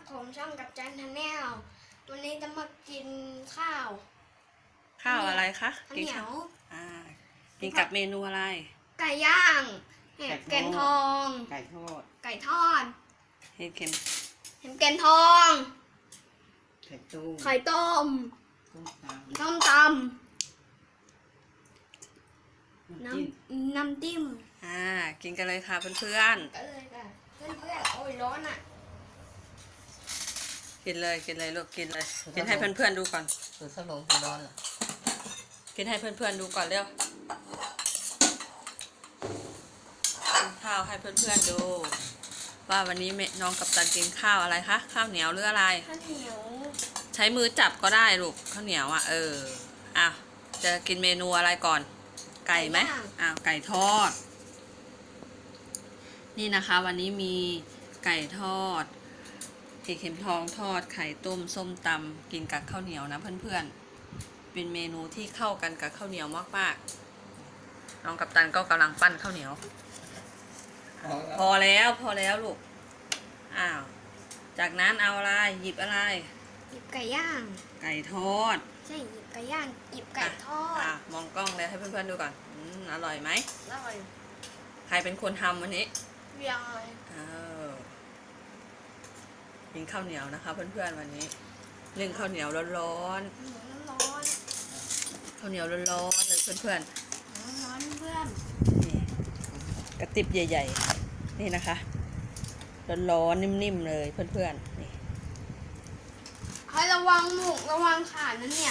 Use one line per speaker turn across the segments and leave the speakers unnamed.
ผมช่องกับจันทแนลวันนี้จะมากินข้าว
ข้าวอะไรคะ
ข้าวเหนียว
กินกับเมนูอะไร
ไก่ย่างเห็ดแกนทอง
ไก่ทอด
ไก่ทอด
เห็ดเข็ม
เห็ดแกนทอง
ไข่ต้ม
ไข่ต้ม
ต้มตำ
ต้มตำ
น้ำจิ้ม
น้ำจิ้ม
กินกันเลยค่ะเพื่อน
ก็เลยค่ะเพื่อนๆโอ้ยร้อนอ่ะ
ๆกินเลยลูกกินเลย กินให้เพื่อนๆดูก่อน
สูตรขนมสูตรร้อนเหรอ
กินให้เพื่อนๆดูก่อนเร็วกินข้าวให้เพื่อนๆดู ว่าวันนี้น้องกัปตันกินข้าวอะไรคะข้าวเหนียวหรืออะไร
ข้าวเหนียว
ใช้มือจับก็ได้ลูกข้าวเหนียวอ่ะจะกินเมนูอะไรก่อน ไก่ไหมไก่ทอด นี่นะคะวันนี้มีไก่ทอดเห็ดเข็มทองทอดไข่ต้มส้มตำกินกับข้าวเหนียวนะเพื่อนๆเป็นเมนูที่เข้ากันกับข้าวเหนียวมากๆน้องกัปตันก็กำลังปั้นข้าวเหนียว พอแล้วลูกจากนั้นเอาอะไรหยิบอะไร
หยิบไก่ย่าง
ไก่ทอด
ใช่หยิบไก่ย่างหยิบไก่ทอด
มองกล้องเลยให้เพื่อนๆดูก่อนอร่อยไหม
อร่อย
ใครเป็นคนทำวันนี้
เรียงเลย
กินข้าวเหนียวนะคะเพื่อนๆวันนี้นึ่งข้าวเหนียวร้อน
หมูน้ำร้อน
ๆข้าวเหนียวร้อนๆเลยเพื่อน
ร้อนเพื่อน
ๆนี่กระติบใหญ่ๆนี่นะคะร้อนๆนิ่มๆเลยเพื่อนๆนี่
ให้ระวังหมูระวังขานั่นเนี่ย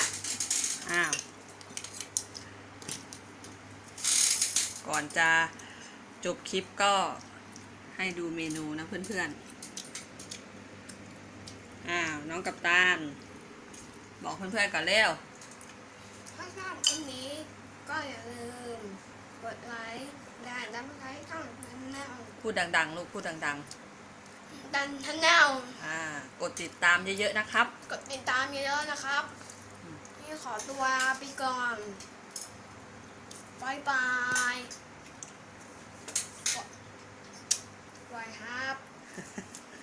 ก่อนจะจบคลิปก็ให้ดูเมนูนะเพื่อนๆน้องกัปตันบอกเพื่อนๆก่อนเร็ว
ถ้าชอบคลิปนี้ก็อย่าลืมกดไลค์และดันไลค์ช่องทันแนล
พูดดังๆลูกพูดดัง
ดันทันแนล
ๆกดติดตามเยอะๆนะครับ
กดติดตามเยอะๆนะครับนี่ขอตัวไปก่อนบายบายบายครับ